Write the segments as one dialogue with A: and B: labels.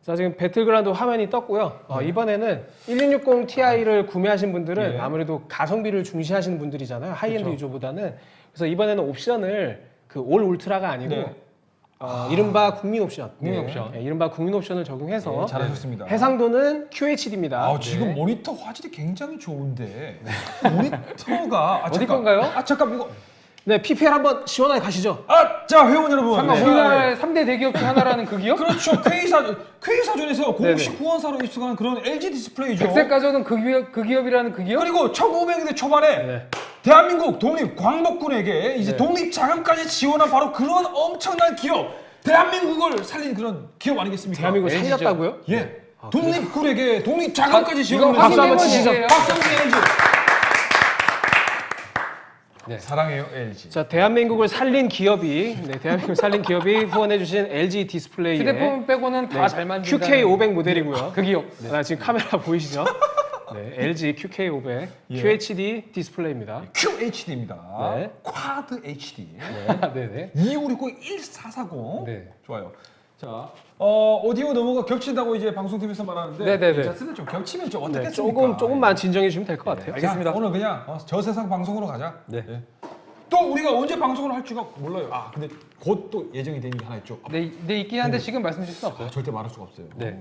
A: 자, 지금 배틀그라운드 화면이 떴고요. 이번에는 1660 Ti를 구매하신 분들은
B: 예.
A: 아무래도 가성비를 중시하시는 분들이잖아요. 하이엔드
B: 그쵸.
A: 유저보다는. 그래서 이번에는 옵션을 그 올 울트라가 아니고
B: 네.
A: 이른바 국민 옵션.
B: 국민 옵션.
A: 네, 이른바 국민 옵션을 적용해서
B: 네, 잘하셨습니다.
A: 해상도는 QHD입니다.
B: 아, 지금 모니터 화질이 굉장히 좋은데 모니터가
C: 어디 건가요?
B: 잠깐 이거
A: 네, PPL 한번 시원하게 가시죠.
B: 자 회원 여러분.
C: 잠깐
B: 네.
C: 우리나라의 3대 대기업 중 하나라는 그 기업?
B: 그렇죠. K사전에서 공식 후원사로 입수한 그런 LG 디스플레이죠.
C: 백색 가전은 그 기업이라는 그 기업?
B: 그리고 1900년대 초반에
A: 네.
B: 대한민국 독립 광복군에게 이제 독립 자금까지 지원한 바로 그런 엄청난 기업, 대한민국을 살린 그런 기업 아니겠습니까?
A: 대한민국을
C: LG 죠.
A: 살렸다고요?
B: 예. 독립군에게 독립 자금까지 지원한
C: 이거
A: 박수 한번
C: 확인해본
A: 치시죠.
C: 얘기예요.
B: 박성기 LG.
C: 네.
B: 사랑해요 LG.
A: 자, 대한민국을 살린 기업이 대한민국을 살린 기업이 후원해주신 LG 디스플레이의
C: 휴대폰 빼고는 다 잘 만든다.
A: QK500 모델이고요.
C: 그 기업.
A: 아, 지금 카메라 보이시죠? 네, LG QK500
B: 예.
A: QHD 디스플레이입니다.
B: QHD입니다.
A: 네.
B: 쿼드 HD.
C: 네네.
B: 2569-1440.
C: 네.
B: 좋아요. 자, 오디오 너머가 겹친다고 이제 방송팀에서 말하는데
C: 네네네.
B: 괜찮습니다. 좀 겹치면 좀
A: 네,
B: 어떻겠습니까?
A: 조금만 진정해 주시면 될 것 같아요.
B: 알겠습니다. 오늘 그냥 저 세상 방송으로 가자.
C: 네.
B: 예. 또 우리가 언제 방송을 할지가 몰라요. 아, 근데 곧 또 예정이 된 게 하나 있죠.
C: 네, 있긴 한데 지금 말씀 주실 수는 없어요.
B: 절대 말할 수가 없어요.
C: 네.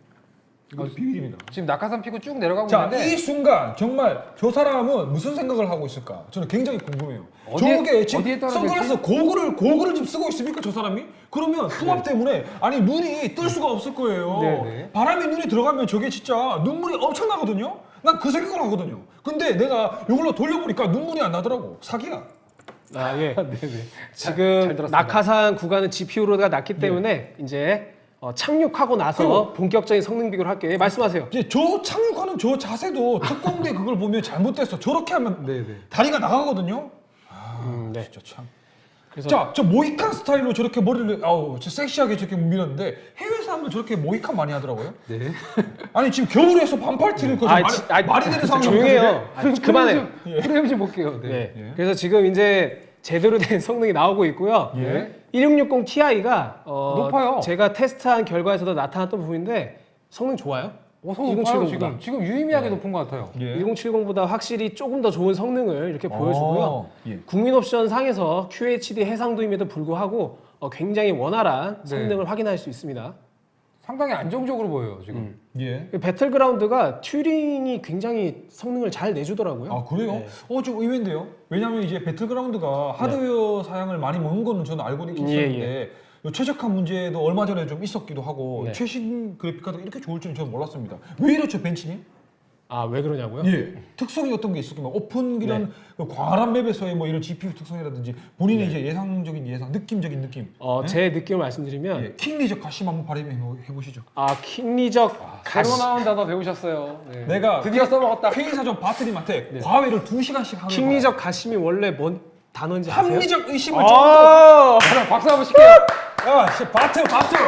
B: 이거 비밀입니다.
C: 지금 낙하산 피고 쭉 내려가고
B: 자,
C: 있는데
B: 이 순간 정말 저 사람은 무슨 생각을 하고 있을까? 저는 굉장히 궁금해요.
C: 어디에-
B: 저게 지금
C: 어디에 떨어질지?
B: 선글라스 고글을 지금 쓰고 있습니까, 저 사람이? 그러면 풍압 때문에 아니 눈이 뜰 수가 없을 거예요.
C: 네네.
B: 바람이 눈에 들어가면 저게 진짜 눈물이 엄청나거든요. 난 그 생각을 하거든요. 근데 내가 이걸로 돌려보니까 눈물이 안 나더라고. 사기야.
A: 아, 예.
C: 네네.
A: 지금
C: 잘 들었습니다.
A: 낙하산 구간은 GPU로가 낮기 때문에 이제 착륙하고 나서
B: 그리고-
A: 본격적인 성능 비교를 할게요. 예, 말씀하세요.
B: 이제 저 착륙하는 저 자세도 특공대 그걸 보면 잘못됐어. 저렇게 하면
C: 네네.
B: 다리가 나가거든요.
A: 네.
B: 진짜 참.
A: 그래서
B: 자, 저 모이칸 스타일로 저렇게 머리를 저 섹시하게 저렇게 밀었는데 해외 사람들 저렇게 모이칸 많이 하더라고요.
C: 네.
B: 아니 지금 겨울에서 반팔 티를 입고 말이 되는 상황이
A: 조용해요. 아, 그만해요.
C: 프레임 좀 볼게요. 네.
A: 네.
B: 예.
A: 그래서 지금 이제 제대로 된 성능이 나오고 있고요.
B: 예.
A: 1660 Ti가
C: 높아요.
A: 제가 테스트한 결과에서도 나타났던 부분인데 성능 좋아요.
C: 성능
A: 1070
C: 높아요,
A: 보다.
C: 지금 유의미하게 높은 것 같아요.
B: 예.
A: 1070보다 확실히 조금 더 좋은 성능을 이렇게 보여주고요.
B: 예.
A: 국민 옵션 상에서 QHD 해상도임에도 불구하고 굉장히 원활한
C: 네.
A: 성능을 확인할 수 있습니다.
C: 상당히 안정적으로 보여요, 지금.
B: 예.
A: 배틀그라운드가 튜링이 굉장히 성능을 잘 내주더라고요.
B: 아 그래요?
A: 네.
B: 좀 의외인데요. 왜냐하면 이제 배틀그라운드가 하드웨어 사양을 많이 먹는 거는 저는 알고는 있었는데 요 최적화 문제도 얼마 전에 좀 있었기도 하고
A: 네.
B: 최신 그래픽 카드가 이렇게 좋을 줄은 저는 몰랐습니다. 왜 이렇죠 벤치님?
A: 아, 왜 그러냐고요?
B: 예. 특성이 어떤 게 있을까요? 오픈 이런 그 광활한 맵에서의 뭐 이런 GPU 특성이라든지 본인의 이제 예상적인 느낌적인 느낌.
A: 제 느낌을 말씀드리면
B: 예. 킹리적 가심 한번 발휘해 보시죠.
A: 킹리적
C: 새로 나온 단어 배우셨어요. 네.
B: 내가
C: 드디어 써먹었다.
B: 회의사전 바트님한테 과외를 2시간씩 하는
A: 킹리적 가심이 원래 뭔 단어인지 아세요?
B: 합리적 의심을
A: 아,
C: 그럼 박수 한번 칠게요.
B: 야, 씨, 바트.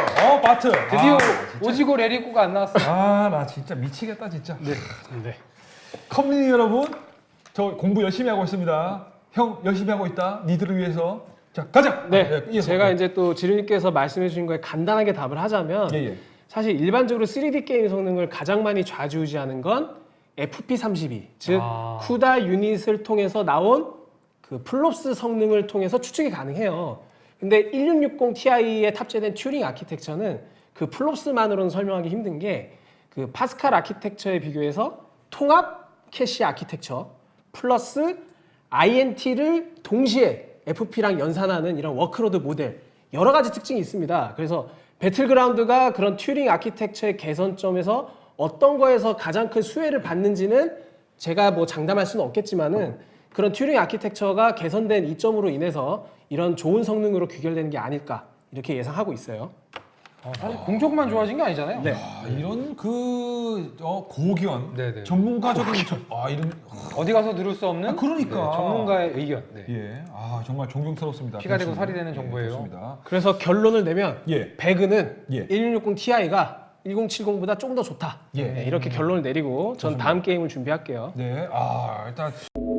C: 드디어 오지고 레리코가 안 나왔어.
B: 나 진짜 미치겠다 진짜.
A: 네.
B: 커뮤니티 여러분, 저 공부 열심히 하고 있습니다. 형 열심히 하고 있다. 니들을 위해서. 자, 가자.
A: 네,
B: 이어서.
A: 제가 이제 또 지르님께서 말씀해 주신 거에 간단하게 답을 하자면
B: 예.
A: 사실 일반적으로 3D 게임 성능을 가장 많이 좌지우지하는 건 FP32, 즉 쿠다 유닛을 통해서 나온 그 플롭스 성능을 통해서 추측이 가능해요. 근데 1660 Ti에 탑재된 튜링 아키텍처는 그 플롭스만으로는 설명하기 힘든 게 그 파스칼 아키텍처에 비교해서 통합 캐시 아키텍처 플러스 INT를 동시에 FP랑 연산하는 이런 워크로드 모델 여러 가지 특징이 있습니다. 그래서 배틀그라운드가 그런 튜링 아키텍처의 개선점에서 어떤 거에서 가장 큰 수혜를 받는지는 제가 뭐 장담할 수는 없겠지만은 그런 튜링 아키텍처가 개선된 이점으로 인해서 이런 좋은 성능으로 귀결되는 게 아닐까 이렇게 예상하고 있어요.
C: 사실 공적만 좋아진 게 아니잖아요.
A: 네.
B: 이런 고견,
C: 네네.
B: 전문가적인 이런
C: 어디 가서 들을 수 없는
B: 그러니까.
C: 네, 전문가의 의견. 네.
B: 예, 정말 존경스럽습니다.
C: 피가 되고
B: 벤치님.
C: 살이 되는 정보예요.
B: 좋습니다.
A: 그래서 결론을 내면
B: 예.
A: 배그는
B: 예.
A: 1660 Ti가 1070보다 조금 더 좋다.
B: 예.
A: 네, 이렇게 결론을 내리고 전 다음 게임을 준비할게요.
B: 네, 일단